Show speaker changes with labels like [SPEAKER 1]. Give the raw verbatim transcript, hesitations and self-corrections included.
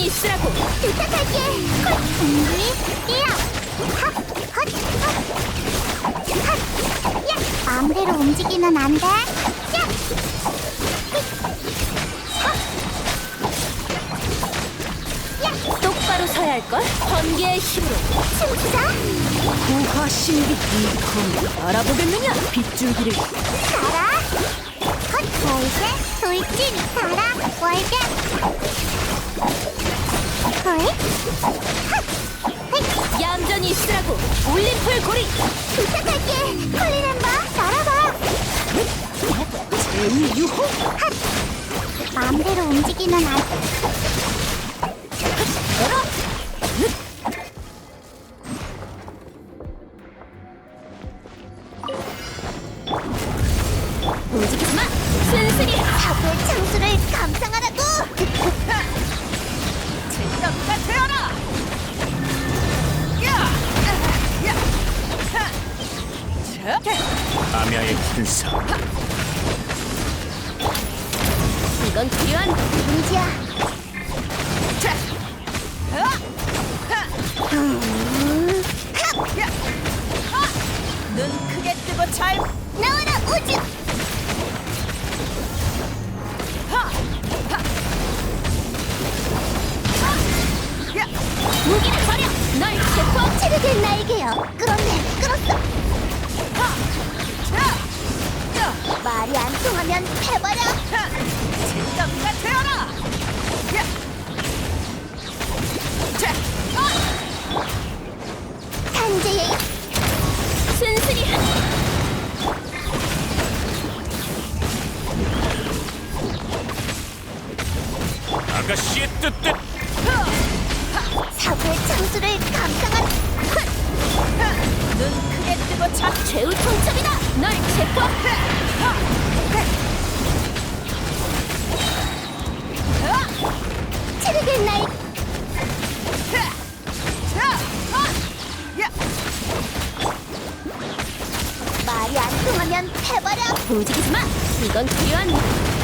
[SPEAKER 1] 얌전히 쓰라고.
[SPEAKER 2] 부탁할게. 콜. 준비. 뛰어. 핫. 헛. 헛. 핫. 야. 마음대로 움직이면 안 돼. 야.
[SPEAKER 1] 똑바로 서야 할걸? 번개의 힘으로
[SPEAKER 2] 춤추자.
[SPEAKER 1] 고화 신비. 이컴 알아보겠느냐? 빗줄기를.
[SPEAKER 2] 가라. 헛. 월계. 돌진. 가라. 월계. 헐. 핫. 헷.
[SPEAKER 1] 얌전히 쓰라고. 올림플 고리.
[SPEAKER 2] 부탁할게. 콜리랜바. 날아봐.
[SPEAKER 1] 제우 유호.
[SPEAKER 2] 핫. 마음대로 움직이면 안
[SPEAKER 1] 열어. 움직이지 마. 순순히
[SPEAKER 2] 사고의 창수를 감상하라고.
[SPEAKER 1] 제떡가 되어라. 야! 야! 자!
[SPEAKER 3] 아미아의 군사
[SPEAKER 1] 이건 필요한.
[SPEAKER 2] 문제야.
[SPEAKER 1] 자!
[SPEAKER 2] 음.
[SPEAKER 1] 야! 눈 크게 뜨고 잘.
[SPEAKER 2] 나와라 우주.
[SPEAKER 1] 야! 무기를 버려. 널 체포.
[SPEAKER 2] 체르된 나에게요. 끌었네. 끌었어. 말이 안 통하면 해버려.
[SPEAKER 1] 제떡가 되어라. 야! 자!
[SPEAKER 2] 산재의
[SPEAKER 1] 순순히.
[SPEAKER 3] 아가씨의 뜻뜻
[SPEAKER 2] 사고의 창수를 감상한.
[SPEAKER 1] 눈 크게 뜨고 자. 최후 통첩이다. 널 체포.
[SPEAKER 2] 체르된 나의 말이 안 통하면 해버려.
[SPEAKER 1] 움직이지 마. 이건 필요한.